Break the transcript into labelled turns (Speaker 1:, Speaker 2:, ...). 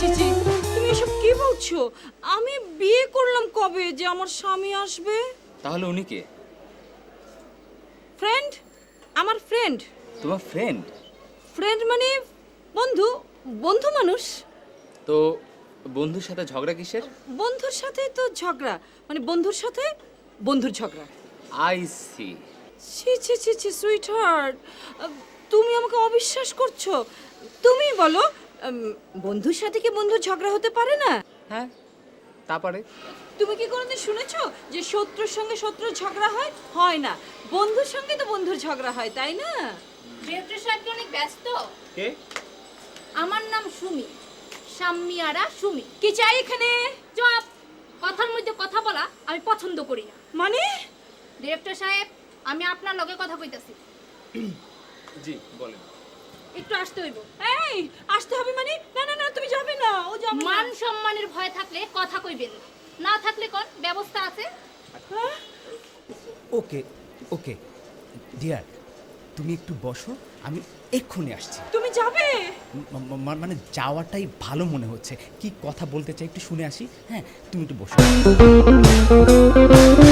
Speaker 1: ছি ছি, তুমি এসব কি বলছো? আমি বিয়ে করলাম কবে যে আমার স্বামী আসবে?
Speaker 2: তাহলে উনি কে?
Speaker 1: ফ্রেন্ড, আমার ফ্রেন্ড।
Speaker 2: তোমার ফ্রেন্ড?
Speaker 1: ফ্রেন্ড মানে বন্ধু, বন্ধু মানুষ।
Speaker 2: তো বন্ধুর সাথে ঝগড়া কিসের?
Speaker 1: বন্ধুর সাথে তো ঝগড়া, মানে বন্ধুর সাথে বন্ধুর ঝগড়া।
Speaker 2: I see.
Speaker 1: ছি ছি ছি ছি সুইট হার্ট, তুমি আমাকে অবিশ্বাস করছো? তুমি বলো, বন্ধুর সাথে কি বন্ধুর ঝগড়া হতে পারে না?
Speaker 2: হ্যাঁ, তা পারে।
Speaker 1: তুমি কি কোনোদিন শুনেছো যে শত্রুর সঙ্গে শত্রুর ঝগড়া হয়? হয় না। বন্ধুর সঙ্গে তো বন্ধুর ঝগড়া হয়, তাই না?
Speaker 3: ডিরেক্টর সাহেব কি অনেক ব্যস্ত?
Speaker 2: কে?
Speaker 3: আমার নাম সুমি, সাম্মিয়ারা সুমি।
Speaker 1: কি চাই এখানে?
Speaker 3: জবাব, কথার মধ্যে কথা বলা আমি পছন্দ করি না।
Speaker 1: মানে?
Speaker 3: ডিরেক্টর সাহেব, আমি আপনার লগে কথা কইতাছি।
Speaker 2: জি বলেন।
Speaker 3: একটু আসতে হইব।
Speaker 1: এই, আসতে হবে মানে? না না না, তুমি যাবে না, ও যাবে না।
Speaker 3: মান সম্মানের ভয় থাকলে কথা কইবেন, না থাকলে কোন ব্যবস্থা আছে?
Speaker 1: হ্যাঁ?
Speaker 4: ওকে ওকে ডিয়ার, তুমি একটু বসো, আমি এক্ষুনি আসছি।
Speaker 1: তুমি যাবে?
Speaker 4: মানে যাওয়াটাই ভালো মনে হচ্ছে। কি কথা বলতে চাই একটু শুনে আসি। হ্যাঁ, তুমি একটু বসো।